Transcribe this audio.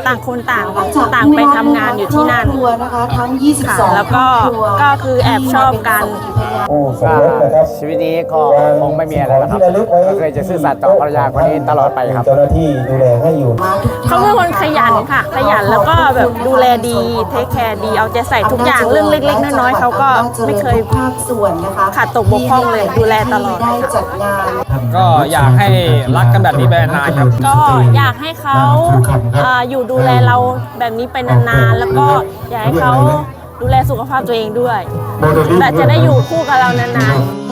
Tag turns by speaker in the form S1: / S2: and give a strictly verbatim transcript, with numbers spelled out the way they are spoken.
S1: ต่างคนต่างต่างไปทำงานอยู่ที่นั่น
S2: ทั้งยี่สิบสอง
S1: แล้วก็ก็คือแอบชอบกัน
S3: ชีวิตนี้ก็คงไม่มีอะไรแล้วครับก็เคยจะซื่อสัตย์ต่อภรรยาคนนี้ตลอดไปครับ
S4: เจ้าหน้าที่ดูแลให้อยู่
S1: เขาเป็นคนขยันค่ะขยันแล้วก็แบบดูแลดีเทคแคร์ดีเอาใจใส่ทุกอย่างเรื่องเล็กๆน้อยๆเขาก็ไม่เคยขาดตกบกพร่องเลยดูแลตลอด
S5: ก็อยากให้รักกันแบบนี้ไปนานครับ
S1: ก็อยากให้เขาอยู่ดูแลเราแบบนี้ไปนานๆแล้วก็อยากให้เขาดูแลสุขภาพตัวเองด้วยแต่จะได้อยู่คู่กับเรานานๆ